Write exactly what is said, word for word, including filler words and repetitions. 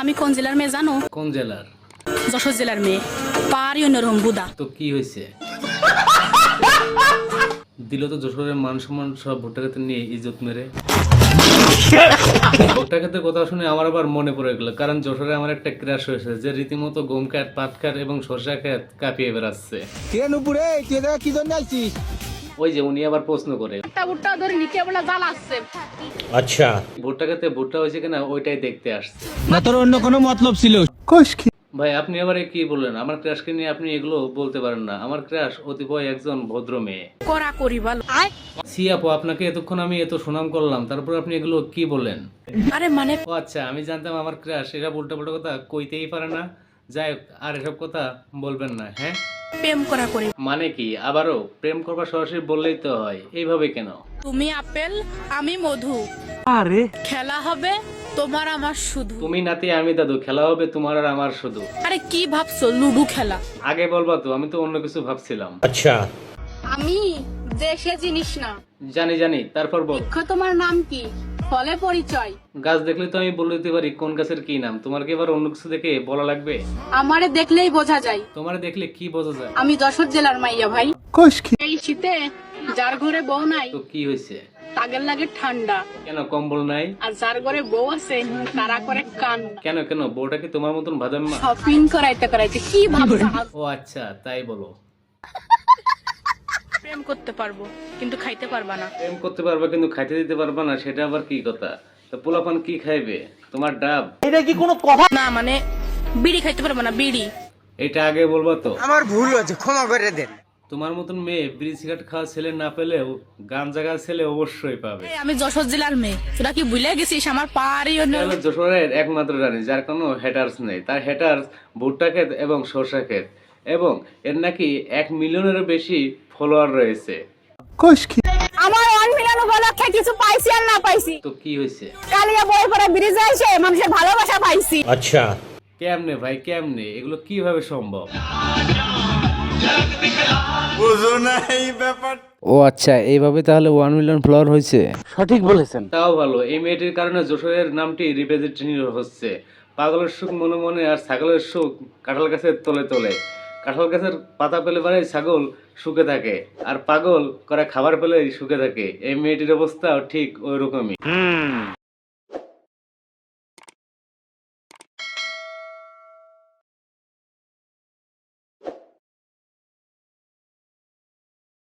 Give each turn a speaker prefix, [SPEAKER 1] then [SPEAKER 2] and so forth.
[SPEAKER 1] আমি কোন জেলার মেয়ে জানো?
[SPEAKER 2] কোন জেলার?
[SPEAKER 1] যশোর জেলার মেয়ে। পারি অন্যরকম বুদা।
[SPEAKER 2] তো কি হয়েছে? দিল তো যশোরের মান সম্মান সব ভুট্টা খেতে নিয়ে ইজ্জত মেরে। ভুট্টা খেতে কথা শুনে আমার আবার মনে পড়ে গেল, কারণ যশোরে আমার একটা ক্রাশ হয়েছে যে রীতিমতো গম খাত, পাট খাত এবং সরষা খাত কাঁপিয়ে বেড়াচ্ছে।
[SPEAKER 3] কি জন্য আইছিস?
[SPEAKER 2] ওই যে উনি আবার প্রশ্ন করে,
[SPEAKER 1] ভুট্টা ধরে নিচে বলে জাল আসছে।
[SPEAKER 4] আচ্ছা,
[SPEAKER 2] ভুট্টা খেতে ভুট্টা হয়েছে কিনা ওইটাই দেখতে আসছে।
[SPEAKER 3] না তোর অন্য কোনো মতলব ছিল?
[SPEAKER 2] ভাই আপনি আবার কি বললেন? আমার ক্রাশকে নিয়ে আপনি এগুলো বলতে পারেন না। আমার ক্রাশ অতিপয় একজন ভদ্র মেয়ে।
[SPEAKER 1] করা করি বল।
[SPEAKER 2] সি আপু, আপনাকে এতক্ষণ আমি এত সুনাম করলাম, তারপর আপনি এগুলো কি বললেন?
[SPEAKER 1] আরে মানে
[SPEAKER 2] ও আচ্ছা, আমি জানতাম আমার ক্রাশ এরা উল্টা পাল্টা কথা কইতেই পারে না। যাই হোক, আর এসব কথা বলবেন না, হ্যাঁ?
[SPEAKER 1] প্রেম করা করি।
[SPEAKER 2] মানে কি আবারও প্রেম করবার সরাসরি বললেই তো হয়, এইভাবে কেন?
[SPEAKER 1] তুমি আপেল, আমি মধু। আরে খেলা হবে তোমার আমার শুধু।
[SPEAKER 2] তুমি নাতি আমি দাদু, খেলা হবে তোমার আর আমার শুধু।
[SPEAKER 1] আরে কি ভাবছো লুডু খেলা?
[SPEAKER 2] আগে বলবা তো, আমি তো অন্য কিছু ভাবছিলাম।
[SPEAKER 4] আচ্ছা,
[SPEAKER 1] আমি দেশে জিনিস না।
[SPEAKER 2] জানি জানি, তারপর বল।
[SPEAKER 1] তোমার নাম কি? ফলে পরিচয়।
[SPEAKER 2] গাছ দেখলে তো আমি বলে দিতে পারি কোন গাছের কি নাম। তোমার কি এবার অন্য কিছু দেখে বলা লাগবে?
[SPEAKER 1] আমারে দেখলেই বোঝা যায়
[SPEAKER 2] তোমার দেখলে কি বোঝা যায়?
[SPEAKER 1] আমি যশোর জেলার মাইয়া ভাই। এই শীতে যার ঘরে বউ নাই
[SPEAKER 2] তো কি হয়েছে?
[SPEAKER 1] তাগের লাগে ঠান্ডা,
[SPEAKER 2] কেন কম্বল নাই?
[SPEAKER 1] আর যার ঘরে বউ আছে তারা করে কান।
[SPEAKER 2] কেন কেন বউটা কি তোমার মতন ভাদাম্মা?
[SPEAKER 1] শপিং করাইতে করাইতে কি ভাবছো?
[SPEAKER 2] ও আচ্ছা, তাই বলো।
[SPEAKER 1] প্রেম করতে পারবো কিন্তু খাইতে পারবা না।
[SPEAKER 2] প্রেম করতে পারবা কিন্তু খাইতে দিতে পারবা না, সেটা আবার কি কথা? তো পোলাপান কি খাইবে? তোমার ডাব?
[SPEAKER 1] না মানে বিড়ি খাইতে পারবো না, বিড়ি।
[SPEAKER 2] এটা আগে বলবা তো।
[SPEAKER 3] আমার ভুল হয়েছে, ক্ষমা করে দেন।
[SPEAKER 2] তোমার মতন মেয়ে বিড়ি সিগারেট খাওয়া ছেলে না পেলেও গাঞ্জা গাছ ছেলে অবশ্যই পাবে।
[SPEAKER 1] এই, আমি যশোর জেলার মেয়ে, তোরা কি ভুলে গেছিস? আমার পারি
[SPEAKER 2] এটা হলো যশোরের একমাত্র রানী যার কোনো হেটার্স নেই। তার হেটার্স ভুট্টা ক্ষেত এবং সরষা ক্ষেত, এবং এর নাকি এক মিলিয়নেরও বেশি ফলোয়ার রয়েছে।
[SPEAKER 5] আমার ওয়ান মিলিয়ন উপলক্ষে কিছু পাইছি আর না পাইছি,
[SPEAKER 2] তো কি হয়েছে?
[SPEAKER 5] কালিয়া বই পড়া ব্রিজে এসে মানুষের ভালোবাসা পাইছি।
[SPEAKER 4] আচ্ছা,
[SPEAKER 2] কেমনে ভাই কেমনে? এগুলো কিভাবে সম্ভব?
[SPEAKER 6] ও আচ্ছা, এইভাবে তাহলে ওয়ান মিলিয়ন ফলোয়ার হয়েছে।
[SPEAKER 2] তাও ভালো, এই মেয়েটির কারণে যশোরের নামটি রিপ্রেজেন্টেটিভ হচ্ছে। পাগলের সুখ মনে মনে আর ছাগলের সুখ কাঁঠাল গাছের তলে তলে। কাঁঠাল গাছের পাতা পেলে পরে ছাগল সুখে থাকে, আর পাগল করে খাবার পেলে সুখে থাকে। এই মেয়েটির অবস্থাও ঠিক ওই রকমই।